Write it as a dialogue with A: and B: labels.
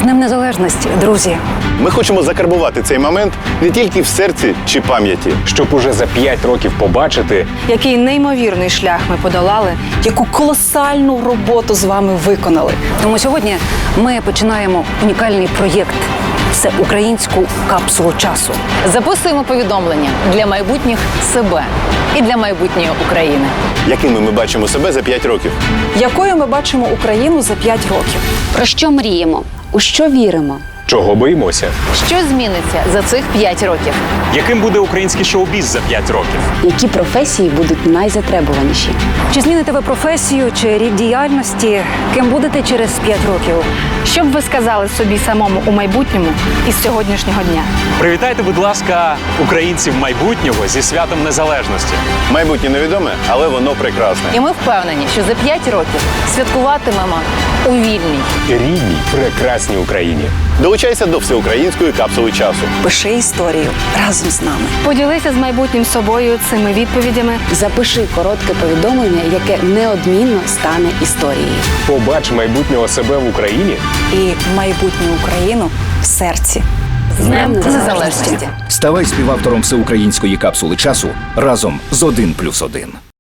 A: Днем Незалежності, друзі!
B: Ми хочемо закарбувати цей момент не тільки в серці чи пам'яті,
C: щоб уже за 5 років побачити,
D: який неймовірний шлях ми подолали,
E: яку колосальну роботу з вами виконали.
A: Тому сьогодні ми починаємо унікальний проєкт – всеукраїнську капсулу часу.
F: Записуємо повідомлення для майбутніх себе і для майбутньої України.
B: якими ми бачимо себе за 5 років.
E: Якою ми бачимо Україну за 5 років?
G: Про що мріємо? У що віримо?
C: чого боїмося,
F: Що зміниться за цих 5 років?
C: яким буде український шоу-біз за 5 років.
G: Які професії будуть найзатребуваніші?
A: Чи зміните ви професію чи рід діяльності? Ким будете через 5 років?
D: що б ви сказали собі самому у майбутньому із сьогоднішнього дня?
C: Привітайте, будь ласка, українців майбутнього зі святом Незалежності.
B: Майбутнє невідоме, але воно прекрасне.
F: І ми впевнені, що за 5 років святкуватимемо у вільній,
C: Рідній, прекрасній Україні.
B: Долучайся до всеукраїнської капсули часу.
E: Пиши історію разом з нами.
D: Поділися з майбутнім собою цими відповідями.
G: Запиши коротке повідомлення, яке неодмінно стане історією.
C: Побач майбутнього себе в Україні.
E: І майбутню Україну в серці.
F: з Днем Незалежності.
H: Ставай співавтором всеукраїнської капсули часу разом з 1+1.